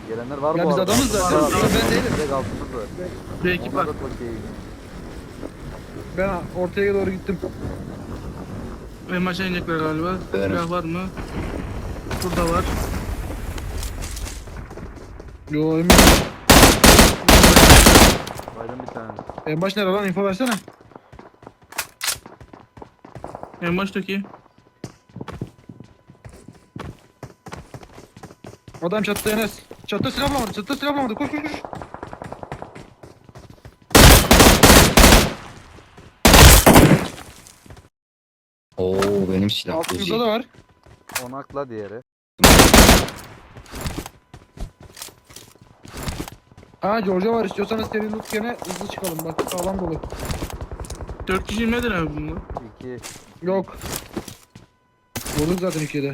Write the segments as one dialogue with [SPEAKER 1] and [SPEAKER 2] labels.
[SPEAKER 1] Gelenler var
[SPEAKER 2] Ya
[SPEAKER 1] bu
[SPEAKER 2] biz
[SPEAKER 1] arada.
[SPEAKER 2] adamız zaten.
[SPEAKER 1] Altımız var.
[SPEAKER 2] Ben değilim.
[SPEAKER 1] Direkt altımız var.
[SPEAKER 3] Bir ekip
[SPEAKER 1] Onlar
[SPEAKER 3] var.
[SPEAKER 1] da çok iyi.
[SPEAKER 2] Ben ortaya doğru gittim.
[SPEAKER 3] Benim aşağı inecekler galiba.
[SPEAKER 4] Evet.
[SPEAKER 3] Silah var mı? Burada var.
[SPEAKER 2] Yo emin.
[SPEAKER 1] Baydım bir tane.
[SPEAKER 2] En baş nere lan, info versene.
[SPEAKER 3] En baştaki.
[SPEAKER 2] Adam çattı Enes. Çattı silah bulamadı. Çattı silah bulamadı. Koş koş koş.
[SPEAKER 4] Oo benim silah.
[SPEAKER 2] Altımızda da var.
[SPEAKER 1] Onakla diğeri.
[SPEAKER 2] Ha Georgia var, istiyorsanız seri loot gene hızlı çıkalım, bak sağlam dolu.
[SPEAKER 3] 4 kişi nedir abi bunlar?
[SPEAKER 1] 2.
[SPEAKER 2] Yok. Vurduk zaten ikiye de.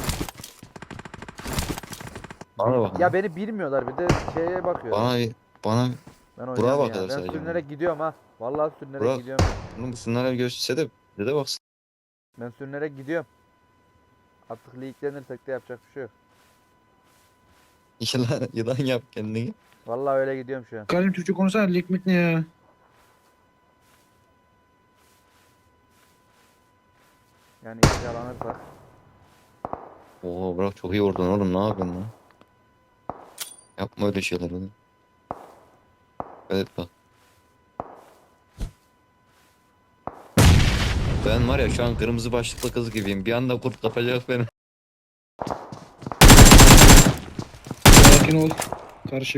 [SPEAKER 4] Bana bak.
[SPEAKER 1] Ya beni bilmiyorlar bir de şeye bakıyor.
[SPEAKER 4] Bana
[SPEAKER 1] Ben
[SPEAKER 4] Burak'a
[SPEAKER 1] oynuyorum
[SPEAKER 4] bak
[SPEAKER 1] ya.
[SPEAKER 4] hele
[SPEAKER 1] Ben
[SPEAKER 4] sadece.
[SPEAKER 1] sürünerek gidiyorum ha. Vallahi sürünerek
[SPEAKER 4] Burak.
[SPEAKER 1] gidiyorum.
[SPEAKER 4] bunun bunlara bir gösterse de bize de baksın.
[SPEAKER 1] Ben sürünerek gidiyorum. Artık leaklenirsek de yapacak bir şey yok.
[SPEAKER 4] Yılan yap kendini.
[SPEAKER 1] Vallahi öyle gidiyorum şu an.
[SPEAKER 2] Karim Türkçe konuşsana, likmit ne ya?
[SPEAKER 1] Yani işe aranırsak.
[SPEAKER 4] Oo Burak çok iyi vurdun oğlum, ne yapıyorsun lan? Yapma öyle şeyler oğlum. Evet bak. Ben var ya şu an kırmızı başlıklı kız gibiyim. Bir anda kurt kapacak beni.
[SPEAKER 2] Sakin ol. Karışım.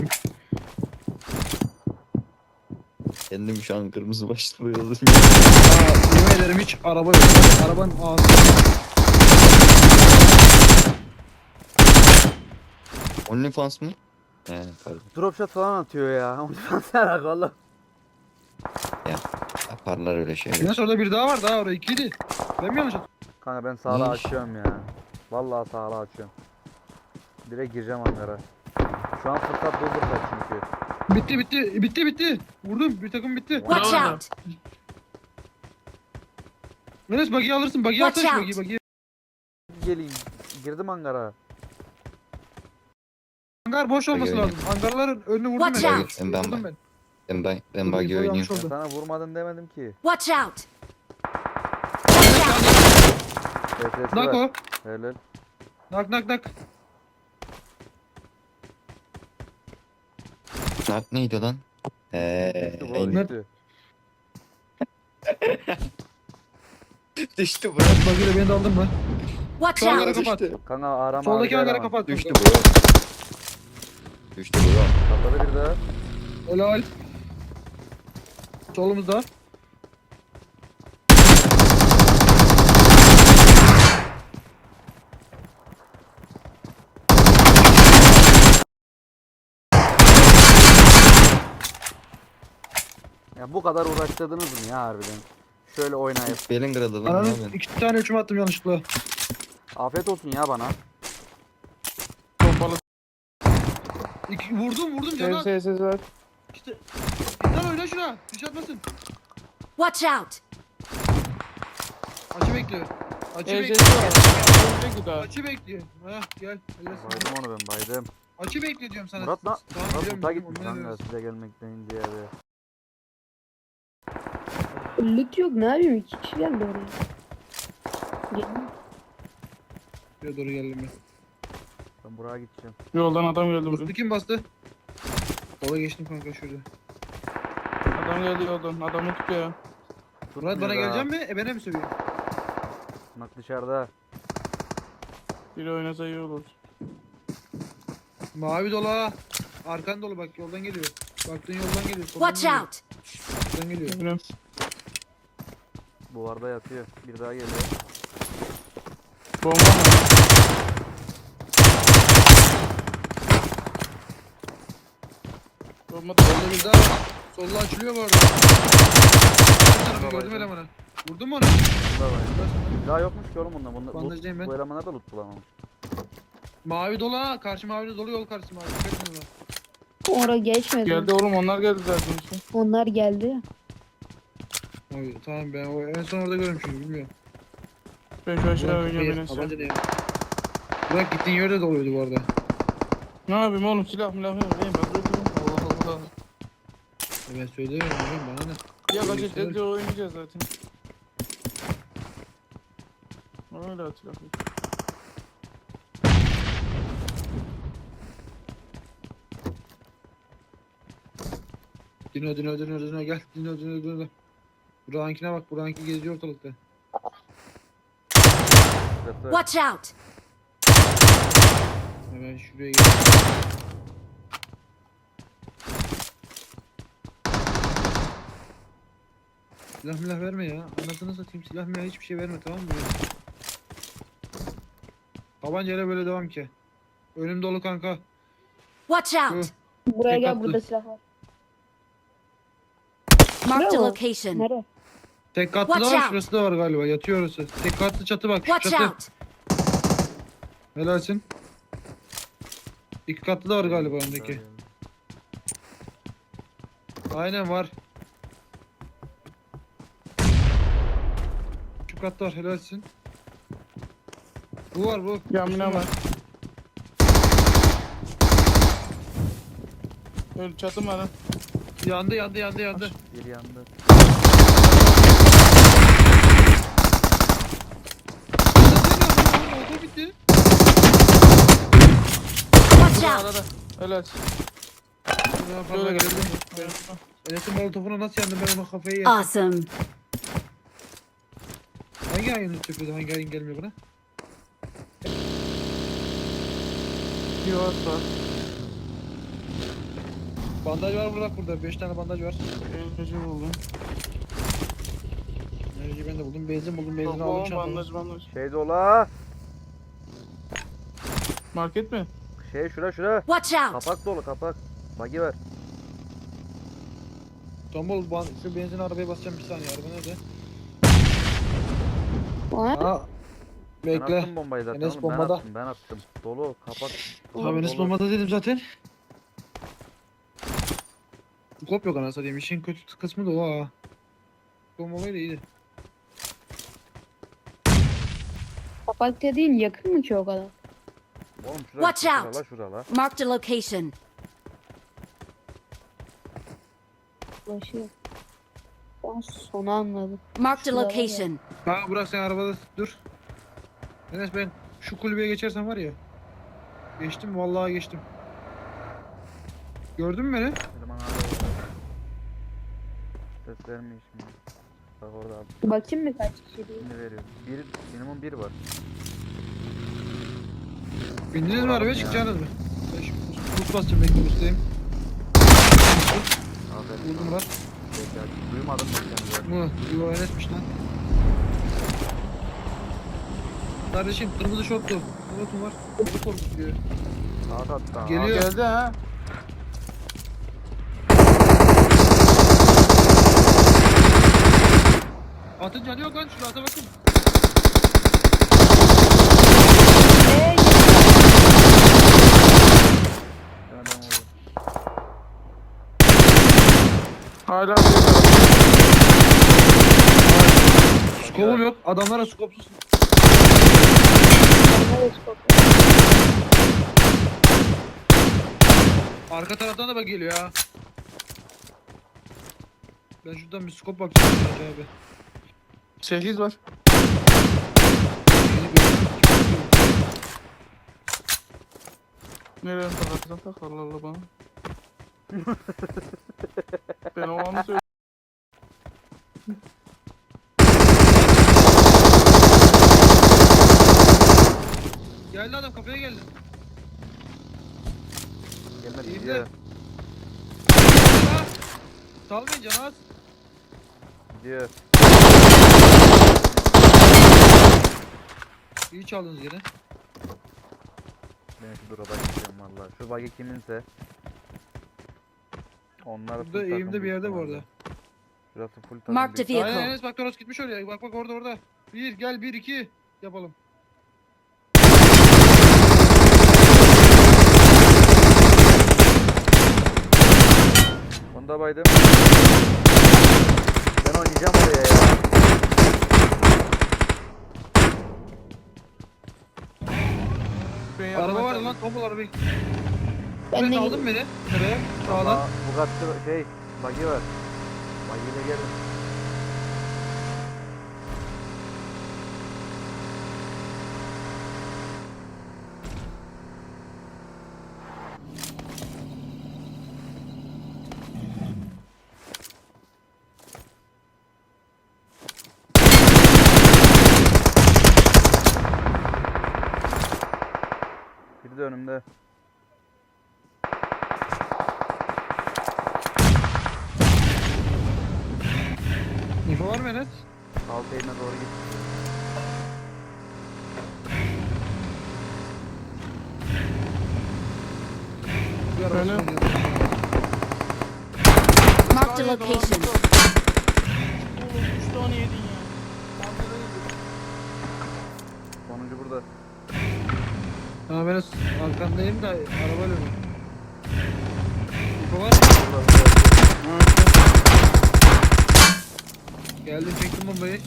[SPEAKER 4] Kendim şu an kırmızı başlıklı yazdım.
[SPEAKER 2] Aa, yemin ederim hiç araba yok. Arabanın ağzı.
[SPEAKER 4] OnlyFans mı? He pardon.
[SPEAKER 1] Dropshot falan atıyor ya. Ondan sonra valla.
[SPEAKER 4] Yaparlar öyle şeyler.
[SPEAKER 2] Enes orada bir daha var, daha orada ikiydi. Ben mi yanlış hatırlıyorum?
[SPEAKER 1] Kanka ben sağla
[SPEAKER 4] Ne iş?
[SPEAKER 1] açıyorum ya. Vallahi sağla açıyorum. Direkt gireceğim hangara. Şu an fırsat bu fırsat çünkü.
[SPEAKER 2] Bitti. Vurdum, bir takım bitti.
[SPEAKER 5] Watch
[SPEAKER 3] Bravo.
[SPEAKER 5] out!
[SPEAKER 2] Enes buggy'i alırsın, buggy'i
[SPEAKER 5] Watch
[SPEAKER 2] alsana şu
[SPEAKER 5] out.
[SPEAKER 2] buggy'i.
[SPEAKER 1] Geleyim. Girdim hangara.
[SPEAKER 2] Hangar boş olması
[SPEAKER 4] Buggy
[SPEAKER 2] lazım. Hangarların önünü vurdum
[SPEAKER 5] Watch
[SPEAKER 2] ben.
[SPEAKER 5] out.
[SPEAKER 2] Vurdum ben.
[SPEAKER 4] Ben buggy
[SPEAKER 2] Infoyu
[SPEAKER 4] oynuyorum.
[SPEAKER 2] almış
[SPEAKER 1] Ben
[SPEAKER 2] oldum.
[SPEAKER 1] sana vurmadım demedim ki.
[SPEAKER 5] Watch out!
[SPEAKER 1] TS'si
[SPEAKER 2] Nak
[SPEAKER 1] var.
[SPEAKER 2] o.
[SPEAKER 1] Helal.
[SPEAKER 2] Nak.
[SPEAKER 4] Nak neydi lan?
[SPEAKER 1] Düştü bu
[SPEAKER 2] Eymen.
[SPEAKER 1] düştü.
[SPEAKER 4] Düştü bro.
[SPEAKER 2] Buggy'yle beni de aldın mı?
[SPEAKER 5] Watch
[SPEAKER 2] Şu hangara
[SPEAKER 5] out!
[SPEAKER 2] kapat.
[SPEAKER 1] Kanka arama.
[SPEAKER 2] Soldaki
[SPEAKER 1] abi,
[SPEAKER 2] hangara
[SPEAKER 1] arama.
[SPEAKER 2] kapat.
[SPEAKER 4] Düştü bro. Düştü bro.
[SPEAKER 1] Patladı bir daha.
[SPEAKER 2] Helal. Solumuzda.
[SPEAKER 1] Ya bu kadar uğraştırdınız mı ya harbiden? Şöyle oynayıp.
[SPEAKER 4] Belin kırıldı lan, ne
[SPEAKER 2] Ananın
[SPEAKER 4] yapıyorsun?
[SPEAKER 2] 2 tane üçüm attım yanlışlıkla.
[SPEAKER 1] Afiyet olsun ya bana.
[SPEAKER 3] Pompalı.
[SPEAKER 2] Vurdum canım.
[SPEAKER 3] Ses var.
[SPEAKER 2] İşte. İnsan oyna şuna. Düş atmasın.
[SPEAKER 5] Watch out!
[SPEAKER 2] Açı bekliyor. Açı
[SPEAKER 3] Ses
[SPEAKER 2] bekliyor.
[SPEAKER 3] var. Öldü daha.
[SPEAKER 2] Açı bekliyor. Ha gel. Helal.
[SPEAKER 1] Baydım onu ben baydım.
[SPEAKER 2] Açı bekliyor diyorum sana.
[SPEAKER 1] Murat lan.
[SPEAKER 2] Tamam,
[SPEAKER 1] Murat
[SPEAKER 2] biliyorum,
[SPEAKER 1] Mut'a
[SPEAKER 2] biliyorum,
[SPEAKER 1] gitmiş
[SPEAKER 2] onu
[SPEAKER 1] kanka
[SPEAKER 2] veriyoruz.
[SPEAKER 1] size gelmekten diye abi.
[SPEAKER 6] Loot yok, ne yapayım, 2 kişi geldi oraya. Geldim.
[SPEAKER 2] Buraya doğru geldim ben.
[SPEAKER 1] Ben buraya gideceğim.
[SPEAKER 3] Yoldan adam geldi buraya.
[SPEAKER 2] Bastı, kim bastı? Sola geçtim kanka şurada.
[SPEAKER 3] Adam geldi yoldan. Adamı tutuyor.
[SPEAKER 2] Murat bana
[SPEAKER 1] Tutmuyor
[SPEAKER 2] gelecek
[SPEAKER 1] daha.
[SPEAKER 2] mi? Bana mi sövüyor?
[SPEAKER 1] Bak dışarıda.
[SPEAKER 3] Biri oynasa iyi olur.
[SPEAKER 2] Mavi dolu ha. Arkan dolu bak, yoldan geliyor. Baktığın yoldan geliyor. soldan
[SPEAKER 5] Watch
[SPEAKER 2] geliyor,
[SPEAKER 5] out!
[SPEAKER 2] soldan geliyor.
[SPEAKER 3] Bilmiyorum.
[SPEAKER 1] Duvarda yatıyor. Bir daha geliyor.
[SPEAKER 3] Bomba mı? Bomba da
[SPEAKER 2] Solda bir daha var. Solda açılıyor bu arada. Bir tarafı gördüm elemanı. Vurdun mu onu?
[SPEAKER 1] Bunda var. Bir daha yokmuş ki oğlum bundan.
[SPEAKER 2] Bandajdayım ben.
[SPEAKER 1] Bu elemanlar da loot bulamamış.
[SPEAKER 2] Mavi dolu ha. Karşı mavi dolu, yol karşısı mavi. Dikkat edin ona.
[SPEAKER 6] Oraya geçmedi.
[SPEAKER 3] geldi oğlum, onlar geldi zaten işte.
[SPEAKER 6] Onlar geldi.
[SPEAKER 2] Oy, tamam ben o en son orada görmüşüm, bilmiyorum.
[SPEAKER 3] Ben şu aşağı
[SPEAKER 2] Ulan
[SPEAKER 3] oynayacağım
[SPEAKER 2] kafayı-
[SPEAKER 3] en son.
[SPEAKER 2] tabanca ne ya? Burak gittiğin yerde doluydu bu arada.
[SPEAKER 3] Ne yapayım oğlum, silah milah yok. Ben bırakıyorum. Allah Allah.
[SPEAKER 2] Ben söylemiyorum hocam, bana ne?
[SPEAKER 3] Ya
[SPEAKER 2] Öyle
[SPEAKER 3] gacet
[SPEAKER 2] şeyler-
[SPEAKER 3] edince oynayacağız zaten. Öyle atıyor.
[SPEAKER 2] Dino gel. Dino. Burak'ınkine bak, Burak'ınki geziyor ortalıkta.
[SPEAKER 1] Şurası.
[SPEAKER 5] Watch out!
[SPEAKER 2] Hemen şuraya gel. Silah milah verme ya. Anasını satayım, silah milah hiçbir şey verme, tamam mı? Tabancayla böyle devam ki. Önüm dolu kanka.
[SPEAKER 5] Watch
[SPEAKER 2] Şu
[SPEAKER 5] out!
[SPEAKER 6] Buraya
[SPEAKER 2] Tek
[SPEAKER 6] gel,
[SPEAKER 2] attı.
[SPEAKER 6] burada silah var.
[SPEAKER 5] Marked a
[SPEAKER 6] Bravo.
[SPEAKER 5] location.
[SPEAKER 6] Nereye?
[SPEAKER 2] tek katlı da
[SPEAKER 5] Watch
[SPEAKER 2] var,
[SPEAKER 5] out.
[SPEAKER 2] şurası da var galiba. Yatıyor orası. Tek katlı çatı bak. Şu
[SPEAKER 5] Watch
[SPEAKER 2] çatı.
[SPEAKER 5] out!
[SPEAKER 2] Helalsin. İki katlı da var galiba öndeki. Aynen var. Şu katta var, helalsin. Bu var bu.
[SPEAKER 3] Yamine var. Öyle çatım var ha.
[SPEAKER 2] Yandı.
[SPEAKER 1] Bir yandı.
[SPEAKER 2] Oldu bitti.
[SPEAKER 5] Watch
[SPEAKER 3] Burada
[SPEAKER 5] out!
[SPEAKER 3] arada. Helal.
[SPEAKER 2] Şöyle
[SPEAKER 3] Şöyle
[SPEAKER 2] geldim.
[SPEAKER 3] geldim.
[SPEAKER 2] Enes'in molotofuna nasıl yandım, ben ona kafayı yedim.
[SPEAKER 5] Awesome.
[SPEAKER 2] Hangi ayının tüpüydü, hangi ayın gelmiyor buna?
[SPEAKER 3] Yuvas var.
[SPEAKER 2] Bandaj var burada. 5 tane bandaj var.
[SPEAKER 3] Enerji buldum.
[SPEAKER 2] Enerji ben de buldum. Benzin buldum. Benzin aldım
[SPEAKER 3] Tamam,
[SPEAKER 2] çantamı.
[SPEAKER 3] bandaj.
[SPEAKER 1] Şey dola.
[SPEAKER 3] Market mi?
[SPEAKER 1] Şey şura.
[SPEAKER 5] Watch out!
[SPEAKER 1] Kapak dolu kapak. Bagi ver.
[SPEAKER 2] Tombul şu benzin arabaya basacağım, bir saniye. Araba nerede?
[SPEAKER 6] Aa,
[SPEAKER 2] Aa.
[SPEAKER 1] Ben
[SPEAKER 2] Bekle.
[SPEAKER 1] attım bombayı zaten
[SPEAKER 2] Enes
[SPEAKER 1] oğlum.
[SPEAKER 2] bombada.
[SPEAKER 1] Ben attım. Dolu kapak.
[SPEAKER 2] Tamam, Enes
[SPEAKER 1] dolu.
[SPEAKER 2] bombada dedim zaten. Kop yok anasını satayım. İşin kötü kısmı da o ha. Bombalayla iyiydi.
[SPEAKER 6] kapak dediğin yakın mı ki o kadar?
[SPEAKER 1] Oğlum şura.
[SPEAKER 5] Watch out.
[SPEAKER 1] Şurala.
[SPEAKER 5] Marked a location.
[SPEAKER 6] Ulaşıyor. Ben sonu anladım.
[SPEAKER 5] Marked a
[SPEAKER 6] Şurada var ya.
[SPEAKER 5] location.
[SPEAKER 2] Ha Burak, sen arabada dur. Enes, ben şu kulübeye geçersem var ya. Geçtim, vallahi geçtim. Gördün mü beni?
[SPEAKER 1] Eleman hala orada. Ses vermiyor şimdi. Bak orada abi.
[SPEAKER 6] Bakayım mı kaç kişi diye.
[SPEAKER 1] Şimdi veriyor. Minimum bir var.
[SPEAKER 2] Bindiniz mi
[SPEAKER 1] Bravo
[SPEAKER 2] arabaya,
[SPEAKER 1] ya.
[SPEAKER 2] çıkacaksınız mı? Ben şu buz basacağım, bekle bustayım.
[SPEAKER 1] Aferin.
[SPEAKER 2] Vurdum Murat.
[SPEAKER 1] Bekle. Duymadım ben seni zaten.
[SPEAKER 2] Mı? Yo, Enes'miş lan. Kardeşim, kırmızı şortlu. Murat'ım var. Beni korkutuyor.
[SPEAKER 1] Saat attı. ha.
[SPEAKER 2] Geliyor.
[SPEAKER 3] Geldi ha.
[SPEAKER 2] Atın canı yok lan, şurada ata bakın.
[SPEAKER 1] Ben adam oldu.
[SPEAKER 3] Hala
[SPEAKER 2] Skopum yok. Adamlara skopsuz.
[SPEAKER 6] Nereye skop?
[SPEAKER 2] Arka taraftan da bak geliyor ha. Ben şuradan bir skop bakacağım abi.
[SPEAKER 3] 8 var.
[SPEAKER 2] Yeni görüyorum.
[SPEAKER 3] Nereye takacağım, tak Allah Allah bana. Ben o anı söyle.
[SPEAKER 2] Geldi adam, kafaya geldi.
[SPEAKER 1] Gelmedi
[SPEAKER 2] İyi
[SPEAKER 1] gidiyor.
[SPEAKER 2] de. Salmayın canaz.
[SPEAKER 1] Gidiyor.
[SPEAKER 2] İyi çaldınız gene.
[SPEAKER 1] Ben şu drop'a gideceğim valla. Şu bagi kiminse. Onlar
[SPEAKER 2] Burada eğimde bir yerde bu arada.
[SPEAKER 1] Şurası full takım.
[SPEAKER 5] Marked a
[SPEAKER 1] büyük.
[SPEAKER 2] Aynen
[SPEAKER 5] vehicle.
[SPEAKER 2] Enes, bak Toros gitmiş oraya. Bak orada. 1 gel, 1 2 yapalım.
[SPEAKER 1] Onu da baydım. Ben oynayacağım oraya ya.
[SPEAKER 3] Ben
[SPEAKER 2] Araba
[SPEAKER 3] yardıma
[SPEAKER 2] vardı
[SPEAKER 3] geldim.
[SPEAKER 2] lan, tombul arabayı.
[SPEAKER 6] Ben
[SPEAKER 2] Ben
[SPEAKER 6] de
[SPEAKER 2] aldın beni. Nereye? Sağdan.
[SPEAKER 1] Valla Bugatti şey buggy var. Buggy ile gelin. Biri de önümde.
[SPEAKER 2] İnfo var mı Enes?
[SPEAKER 1] Alt eline doğru git.
[SPEAKER 2] Bir araba
[SPEAKER 3] Öyle.
[SPEAKER 2] oynuyor.
[SPEAKER 5] Marked a location.
[SPEAKER 3] Oğlum 3 tane yedin ya.
[SPEAKER 1] Sonuncu burada.
[SPEAKER 2] Tamam Enes arkandayım da arabayla mı? İnfo var mı?
[SPEAKER 1] Burada.
[SPEAKER 2] Geldim çektim bombayı.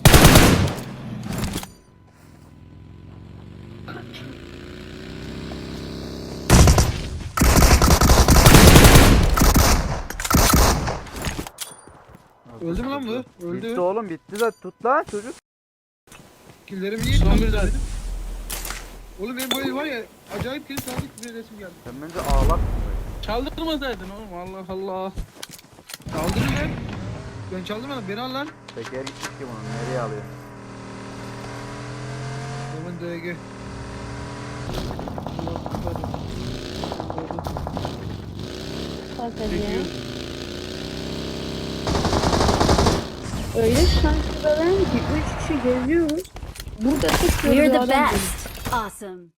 [SPEAKER 2] Öldü mü lan bu? Öldü.
[SPEAKER 1] Bitti oğlum bitti de tut lan çocuk.
[SPEAKER 2] Killerimi niye
[SPEAKER 3] Son
[SPEAKER 2] çaldı
[SPEAKER 3] bir
[SPEAKER 2] dedim. Oğlum benim böyle var ya acayip kill çaldık bir resim geldi.
[SPEAKER 1] Sen bence ağlak mısın?
[SPEAKER 3] Çaldırmasaydın oğlum Allah Allah.
[SPEAKER 2] Çaldın mı lan? Ben çaldım ama beni al lan.
[SPEAKER 1] Teker gitmiş ki bunu nereye alıyor?
[SPEAKER 2] Aman DG.
[SPEAKER 6] Zaten ya.
[SPEAKER 3] Çekiyor.
[SPEAKER 6] Öyle şanslılar ki 3 kişi geziyoruz. Burada tek
[SPEAKER 5] We're
[SPEAKER 6] bir
[SPEAKER 5] the
[SPEAKER 6] adam
[SPEAKER 5] best. Awesome.